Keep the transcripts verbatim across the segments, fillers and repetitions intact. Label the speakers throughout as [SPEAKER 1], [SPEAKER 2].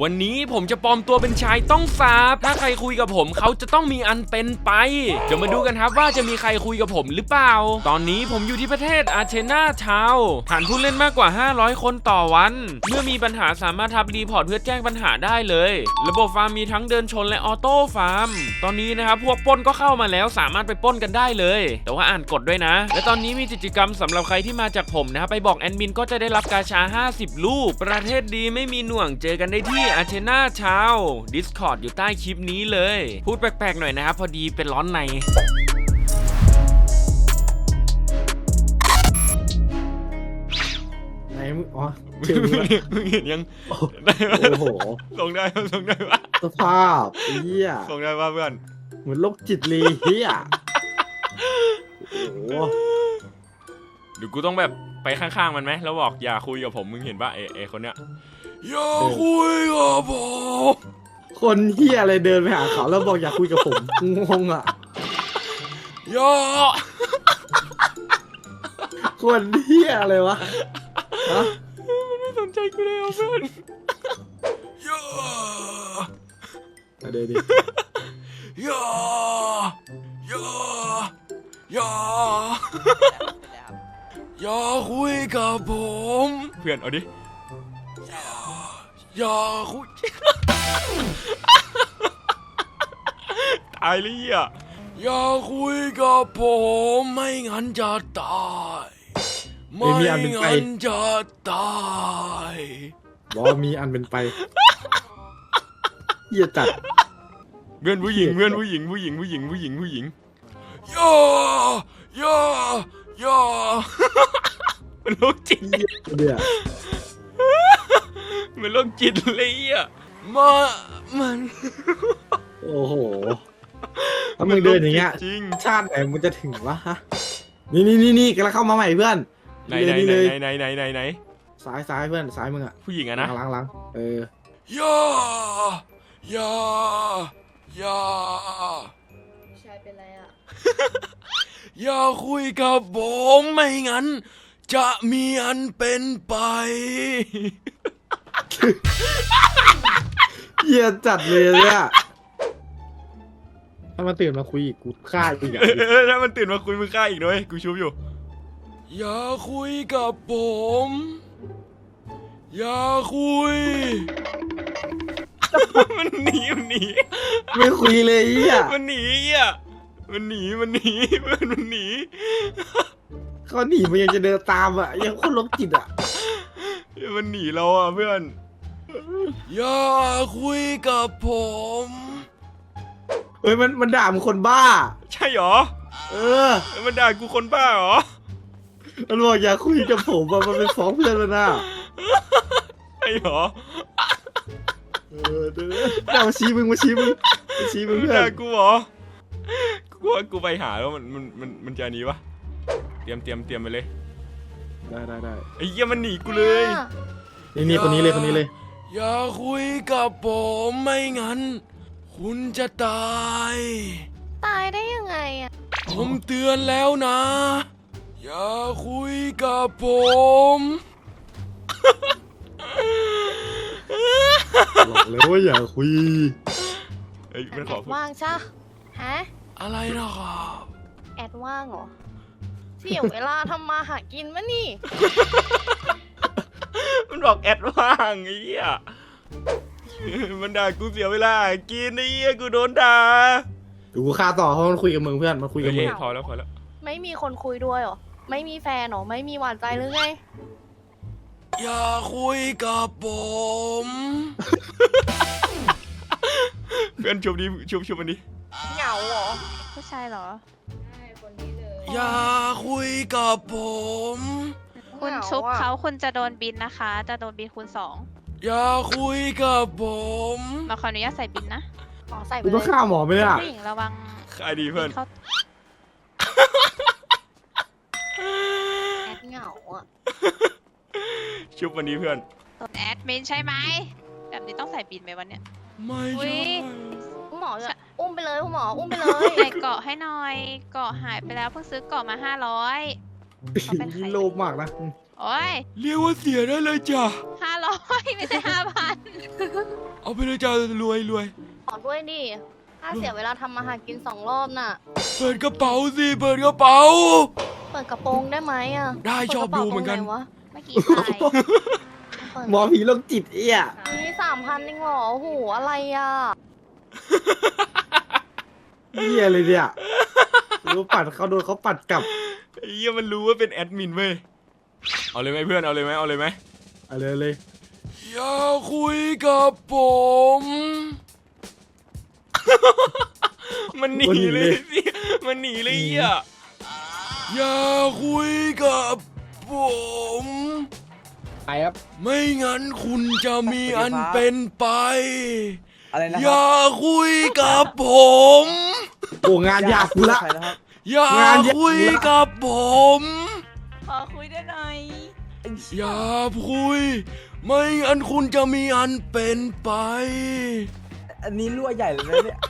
[SPEAKER 1] วันนี้ผมจะปลอมตัวเป็นชายต้องสาบถ้าใครคุยกับผมเขาจะต้องมีอันเป็นไปจะมาดูกันครับว่าจะมีใครคุยกับผมหรือเปล่าตอนนี้ผมอยู่ที่ประเทศอาร์เทนาทาวน์ฐานผู้เล่นมากกว่าห้าร้อยคนต่อวันเมื่อมีปัญหาสามารถทับรีพอร์ตเพื่อแจ้งปัญหาได้เลยระบบฟาร์มมีทั้งเดินชนและออโต้ฟาร์มตอนนี้นะครับพวกปล้นก็เข้ามาแล้วสามารถไปปล้นกันได้เลยแต่ว่าอ่านกฎด้วยนะและตอนนี้มีกิจกรรมสำหรับใครที่มาจากผมนะครับไปบอกแอดมินก็จะได้รับกาชาห้าสิบลูกประเทศดีไม่มีหน่วงเจอกันได้ที่อาร์เทนาทาวน์ Discord อยู่ใต้คลิปนี้เลยพูดแปลกๆหน่อยนะครับพอดีเป็นร้อนใน
[SPEAKER 2] ไหนมึงอ๋อเชื่อมึง
[SPEAKER 1] เห็นยังโอ้โหส่งได้ส่งได้ปะ
[SPEAKER 2] สภาพเฮีย
[SPEAKER 1] ส่งได้ปะเพื่อน
[SPEAKER 2] เหมือนโรคจิตเลยเฮียโอ้
[SPEAKER 1] เดี๋ยวกูต้องแบบไปข้างๆมันไหมแล้วบอกอย่าคุยกับผมมึงเห็นปะเอเอคนเนี้ยอย่าคุยกับผม
[SPEAKER 2] คนเฮียอะไรเดินไปหาเขาแล้วบอกอย่าคุยกับผมงงอ่ะ
[SPEAKER 1] อย่า
[SPEAKER 2] คนเฮียอะไรวะฮะ
[SPEAKER 1] มันไม่สนใจกูเลยเพื่อนอย่า
[SPEAKER 2] เดี๋ยวดิ
[SPEAKER 1] อย่าอย่าอย่าอย่าคุยกับผมเพื่อนเอาดิอย่าอย่าคุยตายเลยอ่ะอย่าคุยกับผมไม่งั้นจะตายไม่งั้นจะตาย
[SPEAKER 2] บอกมีอันเป็นไปเหี้ยจัด
[SPEAKER 1] เพื่อนผู้หญิงเพื่อนผู้หญิงผู้หญิงผู้หญิงผู้หญิงผู้หญิงย่าย่าย่ามันโรคจิต
[SPEAKER 2] เดี๋ยว
[SPEAKER 1] มันโรคจิตเลยอ่ะมามัน
[SPEAKER 2] โอ้โหถ้ามึงเดินอย่างเงี้ยชาติไหนมึงจะถึงวะฮะนี่นี่นี่นี่กำลังเข้ามาใหม่เพื่อน
[SPEAKER 1] ไหนไหนไหนไหนไหนไหนไหน
[SPEAKER 2] ซ้ายซ้ายเพื่อนซ้ายมึงอะ
[SPEAKER 1] ผู้หญิงอะนะ
[SPEAKER 2] หลังหลังเอ
[SPEAKER 1] อย่าอย่าอย่า
[SPEAKER 3] ชายเป็นไรอะ
[SPEAKER 1] อย่าคุยกับผมไม่งั้นจะมีอันเป็นไป
[SPEAKER 2] เหี้ยจัดเลยเนี่ยถ้ามันตื่นมาคุยอีกกูฆ่าอีกอ่ะ
[SPEAKER 1] ถ้ามันตื่นมาคุยมึงฆ่าอีกด้วยกูชุบอยู่อย่าคุยกับผมอย่าคุยมันหนีมันหนี
[SPEAKER 2] ไม่คุยเลยอ่ะ
[SPEAKER 1] มันหนีอ่ะมันหนีมันหนีเพื่อนมันหนี
[SPEAKER 2] เขาหนีมันยังจะเดินตามอ่ะยังคนลบจิตอ่ะ
[SPEAKER 1] มันหนีเราอ่ะเพื่อนอย่าคุยกับผม
[SPEAKER 2] เฮ้ยมันมันด่ามึงคนบ้า
[SPEAKER 1] ใช่หรอ
[SPEAKER 2] เออ
[SPEAKER 1] มันด่ากูคนบ้าหรอ
[SPEAKER 2] มันบอกอย่าคุยกับผมอ่ะมันเป็นฟ้องเพื่อนแล้วนะ
[SPEAKER 1] ใช่หรอ
[SPEAKER 2] เออเดี๋ยวมาชี้มึงมาชี้มึงมาชี้มึงเพื่อน
[SPEAKER 1] ด่ากูหรอกูว่ากูไปหาแล้วมันมันมันมันจะหนีปะเตรียมเตรียมเตรียมไปเลย
[SPEAKER 2] ได้ได้ได้
[SPEAKER 1] ไอ้เหี้ยมันหนีกูเลย
[SPEAKER 2] นี่นี่คนนี้เลยคนนี้เลย
[SPEAKER 1] อย่าคุยกับผมไม่งั้นคุณจะตาย
[SPEAKER 3] ตายได้ยังไงอ่ะ
[SPEAKER 1] ผมเตือนแล้วนะอย่าคุยกับผม
[SPEAKER 2] บอกแล้วว่าอย่าคุย
[SPEAKER 1] เอ้ยมันขอ
[SPEAKER 3] ว่างใช่ฮะ
[SPEAKER 1] อะไรนะครับ
[SPEAKER 3] แอดว่างเหรอเสียเวลาทำมาหากินมะนี่
[SPEAKER 1] มันบอกแอดว่างไอ้เหี้ยมันด่ากูเสียเวลากินไอ้เหี้ยกูโดนด่า
[SPEAKER 2] ดูกูฆ่าต่อเพราะมันคุยกับมึงเพื่อนมันคุยกับมึง
[SPEAKER 1] พอแล้วพอแล้ว
[SPEAKER 3] ไม่มีคนคุยด้วยหรอไม่มีแฟนหรอไม่มีหวานใจหรือไง
[SPEAKER 1] อย่าคุยกับผมเพื่อนชุบดิชุบชุบมันดิ
[SPEAKER 3] เหงาเหรอผู้ชายเหรอใช่คนนี้เลย
[SPEAKER 1] อย่าคุยกับผม
[SPEAKER 4] คุณชุบเขาคุณจะโดนบินนะคะจะโดนบินคูณสอง
[SPEAKER 1] อย่าคุยกับผม
[SPEAKER 4] มาขออนุญาตใส่บินนะ
[SPEAKER 3] หมอใส่ไป
[SPEAKER 2] เลยต้องฆ่าหมอไหมล่ะ
[SPEAKER 4] ผู้หญิงระวัง
[SPEAKER 1] ใครดีเพื่อน
[SPEAKER 3] แอดเหงาอ่ะ
[SPEAKER 1] ชุบวันนี้เพื่อน
[SPEAKER 4] ตัวแอดมินใช่ไหมแบบนี้ต้องใส่บินไหมวันเนี้ย
[SPEAKER 1] ไม่ใช่
[SPEAKER 3] คุณหมออุ้มไปเลยคุณหมออุ้มไปเลย
[SPEAKER 4] ใส่เกาะให้หน่อยเกาะหายไปแล้วเพิ่งซื้อเกาะมาห้าร้อย
[SPEAKER 2] โลภมากนะ
[SPEAKER 4] โโอ้ย
[SPEAKER 1] เรียกว่าเสียได้เลยจ้ะ
[SPEAKER 4] ห้าร้อยไม่ใช่ห้าพัน
[SPEAKER 1] เอาไปเลยจ้ะรวยรวย
[SPEAKER 3] ขอด้วยดิถ้าเสียเวลาทำอาหารกินสองรอบน่ะ
[SPEAKER 1] เปิดกระเป๋าสิเปิดกระเป๋า
[SPEAKER 3] เปิดกระโปรงได้ไหมอ่ะ
[SPEAKER 1] ได้ชอบดูเหมือนกัน
[SPEAKER 3] ปิดระป๋าตรงไหวะ
[SPEAKER 4] เมื่อกี้ใคร
[SPEAKER 3] เปิด
[SPEAKER 2] หมอผีโรคจิตเอี้ย
[SPEAKER 3] นี่สามพันเองเหรอโอ้โหอะไรอ่ะ
[SPEAKER 2] เอี้ยเลยเนี่ยรู้ปัดเขาโดนเขาปัดกลับ
[SPEAKER 1] ไอ้เหี้ยมันรู้ว่าเป็นแอดมินเว้ยเอาเลยไหมเพื่อนเอาเลยไหมเอาเลยไหม
[SPEAKER 2] เอาเลยเลย
[SPEAKER 1] อย่าคุยกับผม มันหนีเลยสิมันหนีเลยอ่ะอย่าคุยกับผม
[SPEAKER 5] ไปครับ
[SPEAKER 1] ไม่งั้นคุณจะมีอันเป็นไป
[SPEAKER 5] อะไรนะ
[SPEAKER 1] อ
[SPEAKER 5] ครั
[SPEAKER 1] ย่าคุยกับผม
[SPEAKER 2] โอ้งานยากกูละ
[SPEAKER 5] ใครนะครับ
[SPEAKER 1] อย่าคุยกับผม
[SPEAKER 4] ขอคุยได้หน่อย
[SPEAKER 1] อย่าคุย ไม่งั้นคุณจะมีอันเป็นไป
[SPEAKER 5] อันนี้รั่วใหญ่เลยนะเนี่ย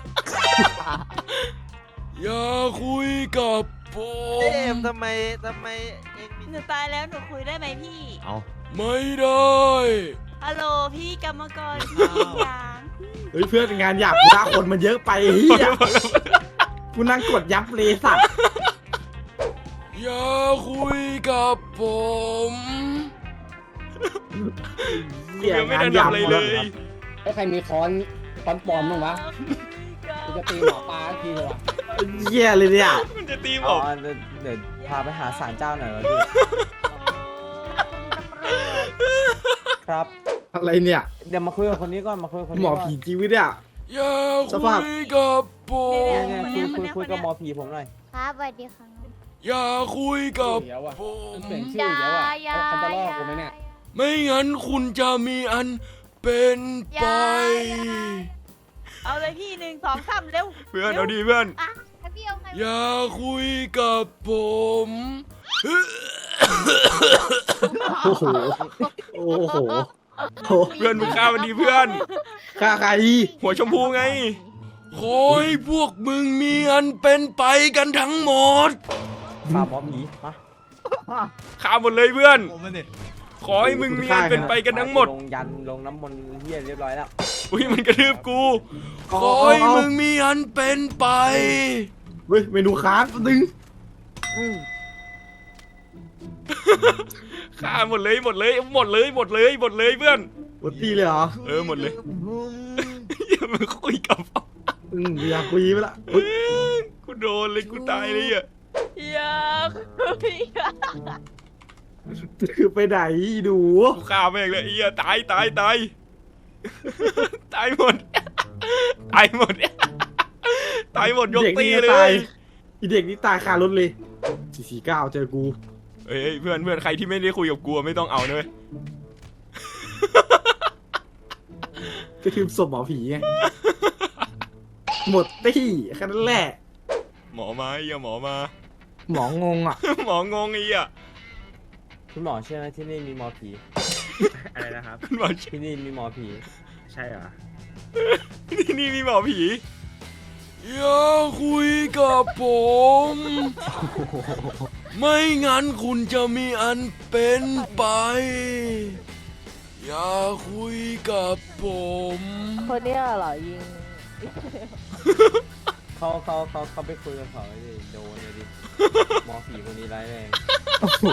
[SPEAKER 1] อย่าคุยกับผ
[SPEAKER 6] เจ
[SPEAKER 1] ม
[SPEAKER 6] มส์ทำไมทำไมเองมี
[SPEAKER 4] หนูตายแล้วหนูคุยได้ไหมพี่
[SPEAKER 2] เอา
[SPEAKER 1] ไม่ได้
[SPEAKER 4] ฮัลโหลพี่กรรมกรพี่ยาง
[SPEAKER 2] เฮ้ยเพื่อนงานหยาบกูละคนมันเยอะไปเฮียกูนั่งกดยับเลยสัตว์
[SPEAKER 1] อย่าคุยกับผม
[SPEAKER 2] เหี้ย
[SPEAKER 1] ยังไม่
[SPEAKER 2] งาน
[SPEAKER 1] ได้
[SPEAKER 2] หยา
[SPEAKER 1] ทำ
[SPEAKER 2] บ
[SPEAKER 1] อะไร
[SPEAKER 2] หมด
[SPEAKER 1] เล
[SPEAKER 2] แล้ว
[SPEAKER 1] ย
[SPEAKER 5] ไอ้ใครมีค้อนค้อนปลอมบ้างวะกูจะตีหมอปลาทีเลยวะ
[SPEAKER 2] เหี้ยเลยเนี่ย
[SPEAKER 1] มันจะตีผ
[SPEAKER 5] อ๋อ
[SPEAKER 1] ม
[SPEAKER 5] เดี๋ยวเดี๋ยวพาไปหาศาลเจ้าหน่อยวะพี่ ครับ
[SPEAKER 2] อะไรเนี่ย
[SPEAKER 5] เดี๋ยวมาคุยกับคนนี้ก่อนมาคุยกับคน
[SPEAKER 2] ห
[SPEAKER 5] นี้
[SPEAKER 2] มอ
[SPEAKER 5] ก่อน
[SPEAKER 2] ผีจริงวิเนี่ย
[SPEAKER 1] อย่า
[SPEAKER 2] สภาพ
[SPEAKER 1] คุยกับผม
[SPEAKER 5] เนี่ยเนี่ยคุยคุยคุยกับหมอผีผมหน่อย
[SPEAKER 3] ครับสวัสดีค่ะ
[SPEAKER 1] อย่าคุยกับ
[SPEAKER 5] เดี๋ยวอะ
[SPEAKER 1] ผม
[SPEAKER 5] เปลี่ยนชื่อเดี๋ยวอะเขาจะลอกกูไหมเนี่ย
[SPEAKER 1] ไม่งั้นคุณจะมีอันเป็นไป
[SPEAKER 4] เอาเลยพี่หนึ่งสองสามเร็ว
[SPEAKER 1] เพื่อนเอาดีเพื่อน
[SPEAKER 3] พี่เอาใคร
[SPEAKER 1] อย่าคุยกับผม
[SPEAKER 2] โอ้โหโอ้โหโอ้
[SPEAKER 1] เพื่อนมึงฆ่ามันดีเพื่อน
[SPEAKER 2] ฆ่าใคร
[SPEAKER 1] หัวชมพูไง ขอให้พวกมึงมีอันเป็นไปกันทั้งหมด
[SPEAKER 5] พาหมอผีมา
[SPEAKER 1] ฆ่าหมดเลยเพื่อน
[SPEAKER 6] ผมมันเนี่ย
[SPEAKER 1] ขอให้มึงมีอันเป็นไปกันทั้งหมด
[SPEAKER 5] ลงยันลงน้ำมนต์เฮียเรียบร้อยแล้ว
[SPEAKER 1] อุ้ยมันกระทืบกู ขอให้มึงมีอันเป็นไป
[SPEAKER 2] เฮ้ยเมนูค้างดึง
[SPEAKER 5] อืม
[SPEAKER 1] ฆ่าหมดเลยหมดเลยหมดเลยหมดเลยหมดเลยเพื่อน
[SPEAKER 2] หมดตีเลยเหรอ
[SPEAKER 1] เออหมดเลยอย่ามาคุยกับ
[SPEAKER 2] อืมอยากคุยไปละเฮ้ย
[SPEAKER 1] กูโดนเลยกูตายเลยอ่ะ
[SPEAKER 4] อยากคุยอะ
[SPEAKER 2] คือไปไหนดู
[SPEAKER 1] กูฆ่าแม่งเลยไอ้เหี้ยตายตายตายตายหมดตายหมดตายหมดยก
[SPEAKER 2] เด็ก
[SPEAKER 1] ตี
[SPEAKER 2] นี่
[SPEAKER 1] เล
[SPEAKER 2] ตาย
[SPEAKER 1] ย
[SPEAKER 2] อีเด็กนี่ตายคารถเลยสี่สี่เก้าเจอกู
[SPEAKER 1] เอ้ยเพื่อนเพื่อนใครที่ไม่ได้คุยกับกูไม่ต้องเอาด้วย
[SPEAKER 2] ก็คือศพหมอผีไงหมดตี้แค่นั้นแหละ
[SPEAKER 1] หมอมาไอ้เหี้ยหมอมา
[SPEAKER 2] หมองงอ่ะ
[SPEAKER 1] หมองงไอ้เหี้ย
[SPEAKER 5] คุณหมอเชื่อไหมที่นี่มีหมอผี
[SPEAKER 2] อะไรนะครับ
[SPEAKER 1] คุณหมอ
[SPEAKER 5] ที่นี่มีหมอผี
[SPEAKER 2] ใช่เหรอ
[SPEAKER 1] ที่นี่มีหมอผีอย่าคุยกับผม ไม่งั้นคุณจะมีอันเป็นไป อย่าคุยกับผม
[SPEAKER 3] คนเนี้ยเหรอยิง
[SPEAKER 5] เขาเขาเขาเขาไปคุยกับเขาเลยโดนเลยดิหมอผีคนนี้ร้ายแรง
[SPEAKER 2] โอ้โห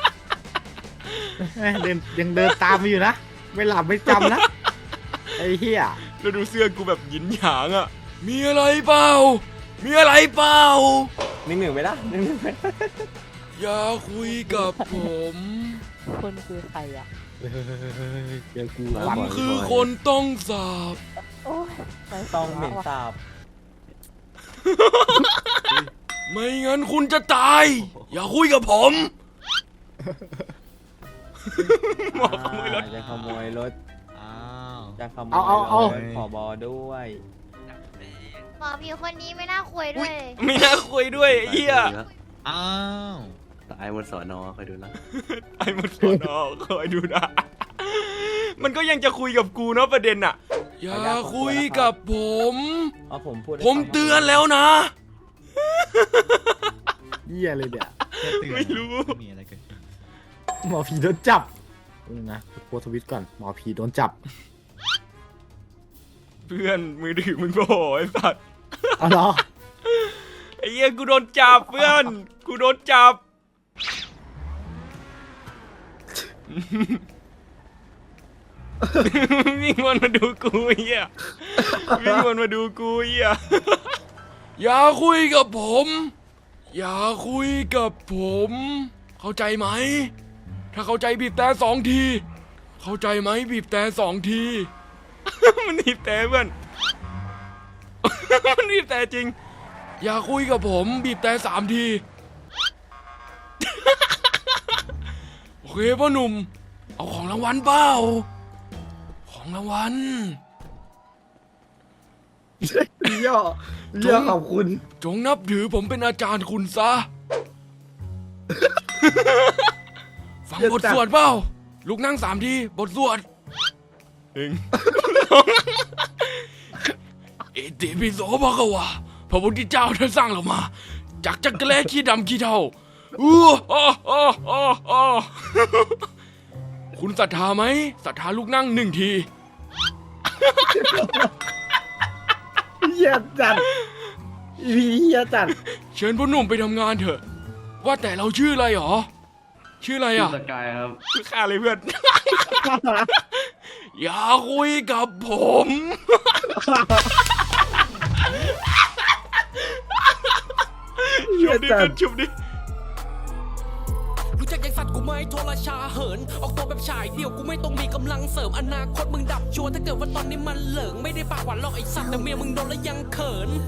[SPEAKER 2] เดินยังเดินตามมาอยู่นะ ไม่หลับไม่จำนะ ไอ้เหี้ย
[SPEAKER 1] แล้วดูเสื้อกูแบบหยินหยางอ่ะ มีอะไรเปล่า มีอะไรเปล่า
[SPEAKER 5] หนึ่งหนึ่งไปละหนึ่งหนึ่งไปละ
[SPEAKER 1] อย่าคุยกับผม
[SPEAKER 3] คนคือใครอ่ะ
[SPEAKER 2] เฮ้ยเจอกู
[SPEAKER 1] ผมคือคนต้องสาบ
[SPEAKER 3] โอ้ย
[SPEAKER 5] ต้องเหม็นสาบ
[SPEAKER 1] ไม่งั้นคุณจะตาย อย่าคุยกับผม หมอขโมยรถ
[SPEAKER 5] อ่าจะขโมยรถ
[SPEAKER 6] อ้าว
[SPEAKER 5] จะขโมย
[SPEAKER 2] เอาเอาเอา
[SPEAKER 5] รถขอบอด้วย
[SPEAKER 3] หมอผีคนนี้ไม่น่าคุยด้วย
[SPEAKER 1] ไม่น่าคุยด้วยไอ้เหี้ย
[SPEAKER 6] อ้าว
[SPEAKER 7] ตายบนสอนอคอยดูนะ
[SPEAKER 1] ไอ้หมดสอนอคอยดูนะ มันก็ยังจะคุยกับกูเนาะประเด็นอะอย่าคุยกับผม
[SPEAKER 5] เอาผมพูดให้
[SPEAKER 1] ผม
[SPEAKER 5] ฟัง
[SPEAKER 1] เตือนแล้วนะ
[SPEAKER 2] เหี้ยเลยเนี่ย
[SPEAKER 6] แค่เตือน
[SPEAKER 1] ไม่รู้
[SPEAKER 6] มีอะไรเกิดขึ้น
[SPEAKER 2] หมอผีโดนจับนี่นะโพสต์ทวิตก่อนหมอผีโดนจับ
[SPEAKER 1] เพื่อนมือถือมึงโผล่ไอ้สัตว์
[SPEAKER 2] เอาเหรอ
[SPEAKER 1] ไอ้เหี้ยกูโดนจับเพื่อนกูโดนจับ วิ่งวนมาดูกูไอ้เหี้ยวิ่งวนมาดูกูไอ้เหี้ยอย่าคุยกับผม อย่าคุยกับผม เข้าใจไหม ถ้าเข้าใจบีบแต่สองที เข้าใจไหมบีบแต่สองที มันบีบแต่เพื่อน มันบีบแต่จริง อย่าคุยกับผมบีบแต่สามที โอเคพ่อหนุ่ม เอาของรางวัลเปล่า ของรางวัล
[SPEAKER 2] เย่อเย่อขอบคุณ
[SPEAKER 1] จงนับถือผมเป็นอาจารย์คุณซะ ฟังบทสวดเปล่า ลูกนั่งสามที บทสวดหนึ่ง อิติปิโสภะคะวะพระพุทธเจ้าท่านสร้างเรามา จากจักรแลขี้ดำขี้เทาอู้อ้ออ้ออ้ออ้อคุณศรัทธาไหมศรัทธาลูกนั่งหนึ่งที
[SPEAKER 2] เหี้ยจัดพี่เหี้ยจัด
[SPEAKER 1] เชิญพ่อหนุ่มไปทำงานเถอะ ว่าแต่เราชื่ออะไรหรอ ชื่ออะไรอ่ะ
[SPEAKER 7] สกายครับ
[SPEAKER 1] ข้าเลยเพื่อน อย่าคุยกับผม ชุบดิเพื่อนชุบดิ
[SPEAKER 8] รู้จักยังสัตว์กูไหม่โทรชาเหิน ออกตัวแบบฉายเดี่ยวกูไม่ต้องมีกำลังเสริมอนาคตมึงดับชัวร์ถ้าเกิดว่าตอนนี้มันเหลิงไม่ได้ปากหวานหรอกไอสัตว์แต่เมียมึงโดนแล้วยังเขิน